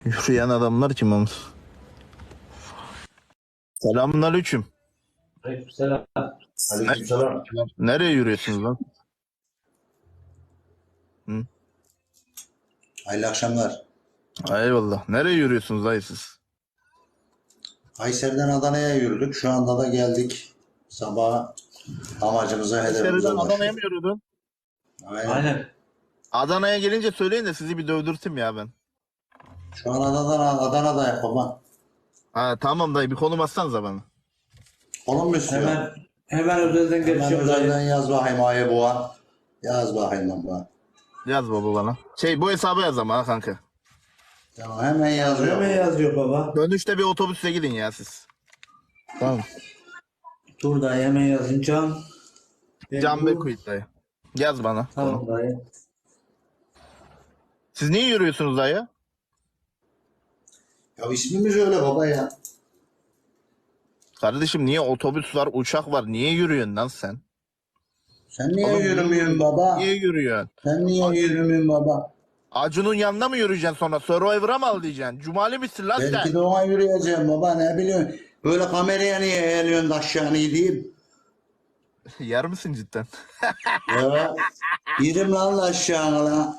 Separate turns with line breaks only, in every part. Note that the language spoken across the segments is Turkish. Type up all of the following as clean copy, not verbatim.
Yürüyen adamlar kim Hamza? Selamünaleyküm.
Aleykümselam.
Ne-
Aleykümselam.
Nereye yürüyorsunuz lan? Hı?
Hayırlı akşamlar.
Eyvallah. Nereye yürüyorsunuz dayı siz?
Kayseri'den Adana'ya yürüdük. Şu anda da geldik. Sabah amacımıza, hedefimize
Kayseri'den Adana'ya mı
ulaştık.
yürüdün?
Aynen.
Adana'ya gelince söyleyin de sizi bir dövdürtüm ya ben.
Şu an Adana'da baba.
Ha tamam dayı bir konum atsanıza bana.
Oğlum mu istiyor?
Hemen özelden
Hemen
geçiyorum dayı.
özelden yaz bakayım ayı boğa. Yaz bakayım baba.
Yaz baba bana. Bu hesaba yaz ama ha kanka.
Tamam hemen yazıyor.
Hemen yazıyor baba.
Dönüşte bir otobüse gidin ya siz. Tamam.
Dur dayı hemen yazın.
Can Bekuit dayı. Yaz bana.
Tamam dayı.
Siz niye yürüyorsunuz dayı?
Ya ismimiz öyle baba ya.
Kardeşim niye otobüs var, uçak var? Niye yürüyorsun lan sen?
Sen niye
Oğlum,
yürümüyorsun baba?
Niye yürüyorsun?
Sen niye yürümüyorsun baba?
Acun'un yanına mı yürüyeceksin sonra? Survivor'a mı al diyeceksin? Cumali misin lan
Belki
sen?
de ona yürüyeceğim baba ne biliyorsun. Böyle kameraya niye eğiliyorsun da aşağı diyeyim.
Yer misin cidden?
Ya yedim lan aşağı lan.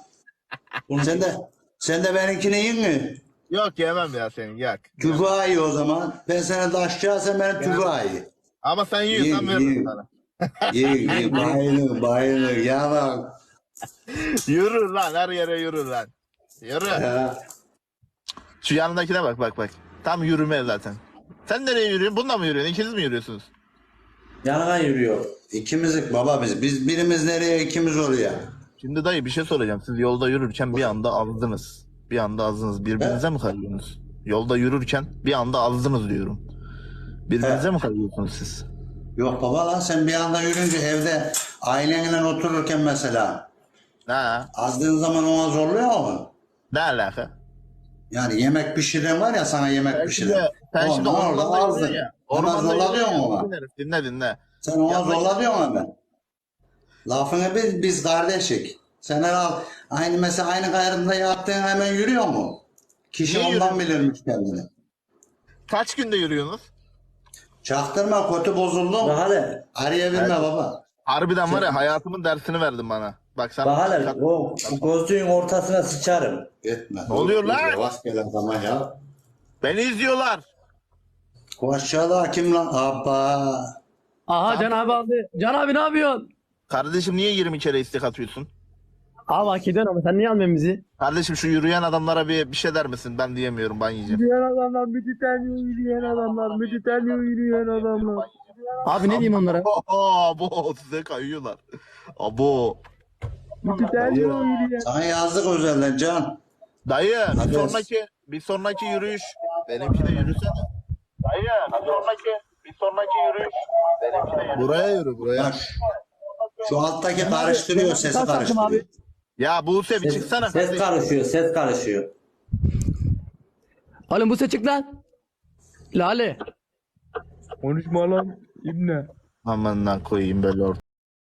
Sen de benimkini yiyin mi?
Yok yemem ya senin yak.
Tüfağı ye o zaman. Ben sana da aşağı sen benim tüfağı ye.
Ama sen yiyorsan
Ye,
veririm
ye.
sana.
Ye bayılır ya bak.
Yürür lan her yere yürür lan. Yürü.
Ya.
Şu yanındakine bak. Tam yürüme zaten. Sen nereye yürüyorsun? Bununla mı yürüyorsun? İkiniz mi yürüyorsunuz?
Yanına yürüyor.
İkimizlik baba biz. Biz birimiz nereye ikimiz oraya.
Şimdi dayı bir şey soracağım. Siz yolda yürürken bir anda azdınız. Bir anda azdınız. Birbirinize mi kayıyorsunuz? Yolda yürürken bir anda azdınız diyorum. Birbirinize mi kayıyorsunuz siz?
Yok baba lan sen bir anda yürünce evde ailenle otururken mesela
Ha?
azdığın zaman ona zorluyor mu?
Ne alaka?
Yani yemek pişiren var ya sana yemek pişiren.
Sen şimdi
Ondan orada
ormanda
azdın.
yürüyorsun ya.
Hemen
Ormanda
zorla
yürüyorsun
diyorsun
ya.
ona.
Dinle.
Sen ona
Yanına
zorla diyorsun hemen. Lafını biz kardeşik. Sen aynı mesela aynı gayrında yattığın hemen yürüyor mu? Kişi
Niye
ondan bilirmiş kendini.
Kaç günde yürüyorsunuz?
Çaktırma kötü bozuldum.
Bak hele.
Arayabilme
Evet.
baba.
Harbiden var ya hayatımın dersini verdin bana. Bak sana.
Bak hele. O gözlüğün ortasına sıçarım.
Etme.
Ne oluyor lan?
Yavaş gel adama ya.
Beni izliyorlar.
O aşağıda kim lan? Abba.
Aha Can abi aldı. Can abi ne yapıyorsun?
Kardeşim niye 20 kere istek atıyorsun?
Abi hak ediyorsun ama sen niye almıyorsun bizi?
Kardeşim şu yürüyen adamlara bir şey der misin? Ben diyemiyorum ben yiyeceğim.
Yürüyen adamlar, yürüyen adamlar, yürüyen adamlar. Abi ne diyeyim onlara?
Abo size kayıyorlar. Abo.
Yürüyen.
Sana yazdık özelden Can.
Dayı
Hadi.
bir sonraki yürüyüş benimki de yürüsene. Dayı bir sonraki yürüyüş benimki de yürüsene. Buraya yürü buraya.
Bak, şu alttaki karıştırıyor sesi
Kaç taktım
karıştırıyor.
abi?
Ya Buse bir
Ses,
çıksana.
ses
kardeşim.
karışıyor. Ses karışıyor.
Oğlum bu çık lan. Lale. Konuşma lan İbne.
Aman koyayım böyle ortaya.